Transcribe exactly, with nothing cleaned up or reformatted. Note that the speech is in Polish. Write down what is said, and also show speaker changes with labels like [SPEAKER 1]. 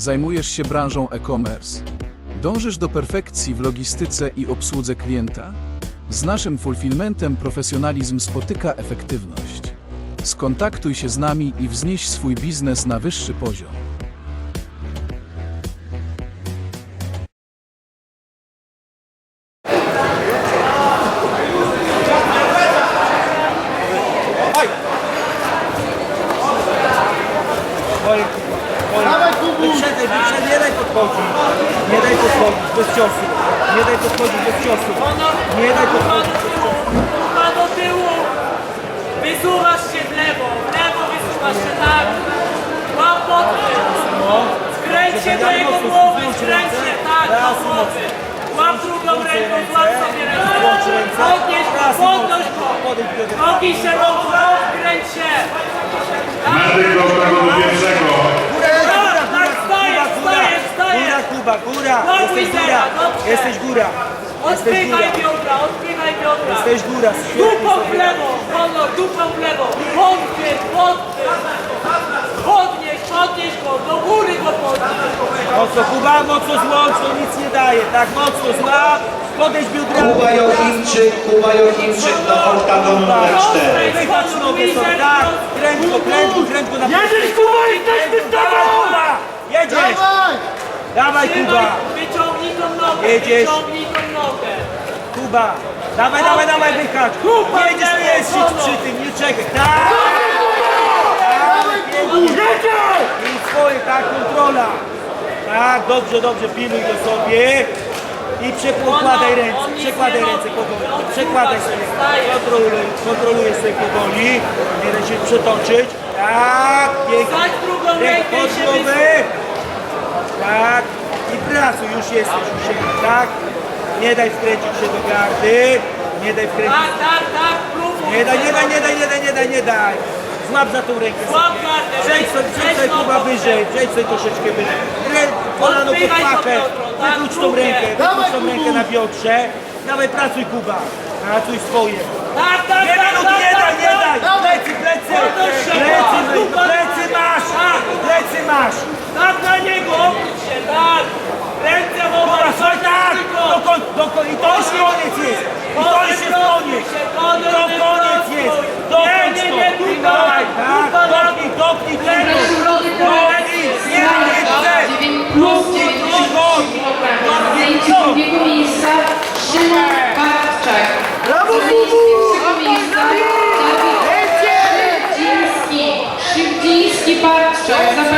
[SPEAKER 1] Zajmujesz się branżą e-commerce. Dążysz do perfekcji w logistyce i obsłudze klienta? Z naszym fulfillmentem profesjonalizm spotyka efektywność. Skontaktuj się z nami i wznieś swój biznes na wyższy poziom.
[SPEAKER 2] Wyprzedzaj, wyprzedzaj, nie daj podchodzić. Nie daj podchodzić, bez ciosu. Nie daj podchodzić, bez ciosu. Nie daj podchodzić, bez ciosu.
[SPEAKER 3] Kurwa do tyłu! Wysuwasz się w lewo, w lewo wysuwasz się tak. Łap podchwyt. Skręć się do jego głowy, skręć się tak do głowy. Łap drugą ręką, złap sobie rękę. Podnieś go, podnoś go. Nogi się mocno, skręć się.
[SPEAKER 4] Medyk do tego do pierwszego.
[SPEAKER 3] Tak, wstajesz, wstajesz, wstajesz.
[SPEAKER 2] Góra, Kuba, góra.
[SPEAKER 3] No,
[SPEAKER 2] Jesteś góra.
[SPEAKER 3] Wizera, dobrze.
[SPEAKER 2] Jesteś góra. Jesteś
[SPEAKER 3] Odpychaj
[SPEAKER 2] góra.
[SPEAKER 3] biodra, odpychaj biodra.
[SPEAKER 2] Jesteś góra.
[SPEAKER 3] Dupą w lewo, wolno, dupą w lewo. Podpyt, podpyt. Podnieś, podnieś go, do góry go podnieś.
[SPEAKER 2] Mocno, Kuba, mocno złącz, to nic nie daje. Tak, mocno złap. Podejdź biodrami.
[SPEAKER 5] Kuba Jochimczyk, Kuba Jochimczyk do oktagonu numer cztery.
[SPEAKER 2] Wychodź nogę sobie, tak. Kręć go, kręć go, kręć go na
[SPEAKER 3] Jedziesz, Kuba, jesteśmy z tobą!
[SPEAKER 2] Dawaj, Kuba. Jedziesz. Dawaj, Kuba.
[SPEAKER 3] Wyciągnij tą nogę,
[SPEAKER 2] Jedziesz.
[SPEAKER 3] wyciągnij tą nogę.
[SPEAKER 2] Kuba. Dawaj, dawaj, dawaj, wychacz.
[SPEAKER 3] Kuba,
[SPEAKER 2] Jedziesz,
[SPEAKER 3] lewo,
[SPEAKER 2] nie jedź
[SPEAKER 3] wolno.
[SPEAKER 2] przy tym, nie czekaj. Tak. Jedziesz. I swoje, tak, kontrola. Tak, dobrze, dobrze, pilnuj go sobie. I przekładaj ręce,
[SPEAKER 3] on nic
[SPEAKER 2] przekładaj
[SPEAKER 3] nie
[SPEAKER 2] ręce
[SPEAKER 3] robi.
[SPEAKER 2] powoli.
[SPEAKER 3] On
[SPEAKER 2] Przekładaj
[SPEAKER 3] kurwa
[SPEAKER 2] sobie.
[SPEAKER 3] przestaje.
[SPEAKER 2] Kontroluj, kontroluj sobie powoli. Nie daj się przetoczyć. Tak, pięknie.
[SPEAKER 3] Wsadź drugą rękę i się
[SPEAKER 2] Podłowy. Tak. I pracuj, już jesteś, już jesteś, tak. Nie daj wkręcić się do gardy. Nie daj wkręcić.
[SPEAKER 3] Tak, tak, tak, próbuj.
[SPEAKER 2] Nie daj, nie daj, nie daj, nie daj, nie daj, nie daj. Złap za tą rękę.
[SPEAKER 3] Złap gardę,
[SPEAKER 2] Przejdź sobie, przejdź
[SPEAKER 3] weź
[SPEAKER 2] sobie
[SPEAKER 3] nogą,
[SPEAKER 2] Kuba wyżej, przejdź sobie troszeczkę wyżej. Rę- Kolano pod
[SPEAKER 3] Odpychaj to
[SPEAKER 2] pachę.
[SPEAKER 3] biodro, tak,
[SPEAKER 2] Wyklucz tą
[SPEAKER 3] drugie.
[SPEAKER 2] rękę, wyklucz tą rękę na biodrze. Dawaj, pracuj Kuba. Pracuj swoje.
[SPEAKER 3] Tak, tak,
[SPEAKER 2] Nie
[SPEAKER 3] tak,
[SPEAKER 2] minut,
[SPEAKER 3] tak,
[SPEAKER 2] nie daj,
[SPEAKER 3] tak,
[SPEAKER 2] nie
[SPEAKER 3] tak.
[SPEAKER 2] daj. Plecy, plecy.
[SPEAKER 3] Podnoś się,
[SPEAKER 2] Plecy,
[SPEAKER 3] Kuba.
[SPEAKER 2] plecy masz. Plecy masz.
[SPEAKER 3] Tak na niego, obróć się, tak. Ręce
[SPEAKER 2] Dobra,
[SPEAKER 3] wołaj,
[SPEAKER 2] słuchaj, tak. Do koń, do koń. I to już koniec jest. I to już jest koniec. I to koniec jest. Dokończ
[SPEAKER 3] Nie,
[SPEAKER 2] to.
[SPEAKER 3] nie, nie,
[SPEAKER 2] Dawaj, tak.
[SPEAKER 3] Kuba,
[SPEAKER 2] Dopnij, dopnij.
[SPEAKER 6] Środek
[SPEAKER 2] Dopnij. Nie, nie chcę.
[SPEAKER 6] dziewięć plus dziewięćdziesiąt trzy kilogramy. Zajęcie drugiego miejsca Szymon Bartczak. Zajęcie pierwszego miejsca Dawid Szybdziński. Szybdziński Bartczak.